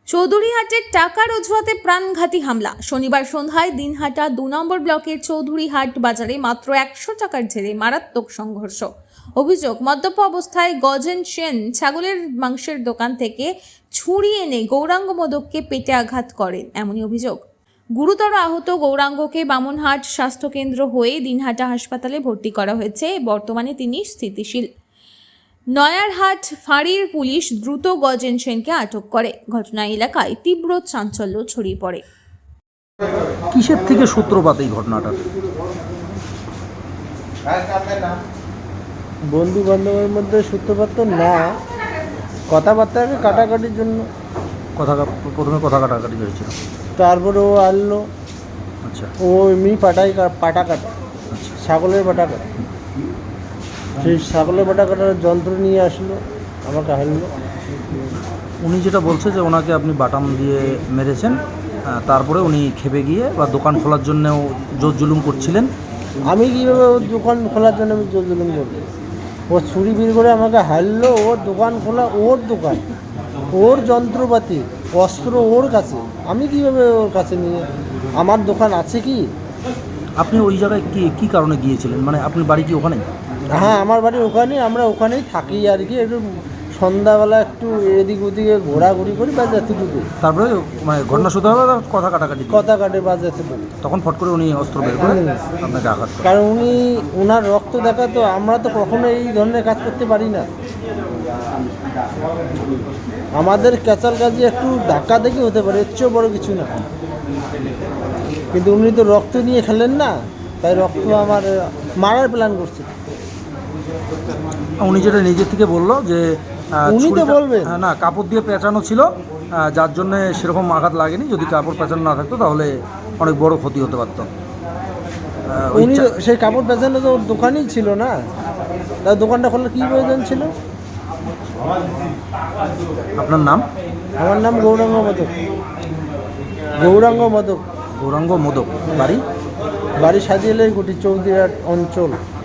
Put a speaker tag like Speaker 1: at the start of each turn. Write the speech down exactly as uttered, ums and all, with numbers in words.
Speaker 1: চৌধুরীহাটের টাকার অজুহাতে প্রাণঘাতী হামলা। শনিবার সন্ধ্যায় দিনহাটা দু নম্বর ব্লকের চৌধুরীহাট বাজারে মাত্র একশো টাকার জেরে মারাত্মক সংঘর্ষ। অভিযোগ, মদ্যপ অবস্থায় গজেন সেন ছাগলের মাংসের দোকান থেকে ছুরি এনে গৌরাঙ্গ মোদককে পেটে আঘাত করেন, এমনই অভিযোগ। গুরুতর আহত গৌরাঙ্গকে বামনহাট স্বাস্থ্যকেন্দ্র হয়ে দিনহাটা হাসপাতালে ভর্তি করা হয়েছে। বর্তমানে তিনি স্থিতিশীল। নয়ারহাট ফাঁড়ির পুলিশ দ্রুত গজেন সেনকে আটক করে। ঘটনা এলাকায় তীব্র চাঞ্চল্য ছড়িয়ে পড়ে।
Speaker 2: কিসের থেকে সূত্রপাত এই ঘটনাটা?
Speaker 3: বন্ধু বান্ধবের মধ্যে সূত্রপাত তো না, কথাবার্তাকে কাটাকাটির জন্য।
Speaker 2: কথা প্রথমে কথা কাটাকাটি হয়েছিল,
Speaker 3: তারপরে ও আনলো,
Speaker 2: আচ্ছা
Speaker 3: ও এমনি পাটাই পাটা কাটা,
Speaker 2: আচ্ছা
Speaker 3: ছাগলের পাটা কাটা। সেই ছাগলের পাটা কাটার যন্ত্র নিয়ে আসলো, আমাকে হারলো।
Speaker 2: উনি যেটা বলছে যে ওনাকে আপনি বাটাম দিয়ে মেরেছেন, আহ, তারপরে উনি খেপে গিয়ে বা দোকান খোলার জন্যও জোর জুলুম করছিলেন।
Speaker 3: আমি কীভাবে ওর দোকান খোলার জন্য আমি জোর জুলুম করবো? ও ছুরি বের করে আমাকে হারলো। ওর দোকান খোলা, ওর দোকান, ওর যন্ত্রপাতি, অস্ত্র ওর কাছে। আমি কীভাবে ওর কাছে নিয়ে, আমার দোকান আছে কি?
Speaker 2: আপনি ওই জায়গায় কি কী কারণে গিয়েছিলেন? মানে আপনি বাড়ি কি ওখানে?
Speaker 3: হ্যাঁ, আমার বাড়ি ওখানে, আমরা ওখানেই থাকি আর কি। একটু সন্ধ্যাবেলা একটু এদিক ওদিকে ঘোরাঘুরি করি বা এতটুকু।
Speaker 2: তারপরে মানে ঘটনা শুধু হবে কথা কাটাকাটি,
Speaker 3: কথা কাটে বা এতটুকু।
Speaker 2: তখন ফট করে উনি অস্ত্র বের করে আপনাকে আঘাত করেন।
Speaker 3: কারণ উনি, ওনার রক্ত দেখা তো, আমরা তো কখনো এই ধরনের কাজ করতে পারি না। আমাদের ক্যাচাল কাজে একটু ধাক্কা দেখে হতে পারে, এর চেয়েও বড় কিছু না। কিন্তু উনি তো রক্ত নিয়ে খেলেন না, তাই রক্ত আমার মারার প্ল্যান করছে।
Speaker 2: উনি যেটা নিজের থেকে বললো যে আহ,
Speaker 3: উনি তো
Speaker 2: ছুরিটা-
Speaker 3: বলবেন।
Speaker 2: হ্যাঁ, না, কাপড় দিয়ে পেঁচানো ছিল, আহ, যার জন্য সেরকম আঘাত লাগেনি। যদি কাপড় পেঁচানো না থাকতো তাহলে অনেক বড় ক্ষতি হতে পারত। আহ, ওই
Speaker 3: উনি
Speaker 2: চা-
Speaker 3: সেই কাপড় বেচানো তো ওর দোকানেই ছিল না, তার দোকানটা খোলার কী প্রয়োজন ছিল?
Speaker 2: আপনার নাম?
Speaker 3: আমার নাম গৌরাঙ্গ মোদক। গৌরাঙ্গ মোদক।
Speaker 2: গৌরাঙ্গ মোদক। বাড়ি?
Speaker 3: বাড়ি সাজিয়েলের গুটি, চৌধুরীহাট অঞ্চল।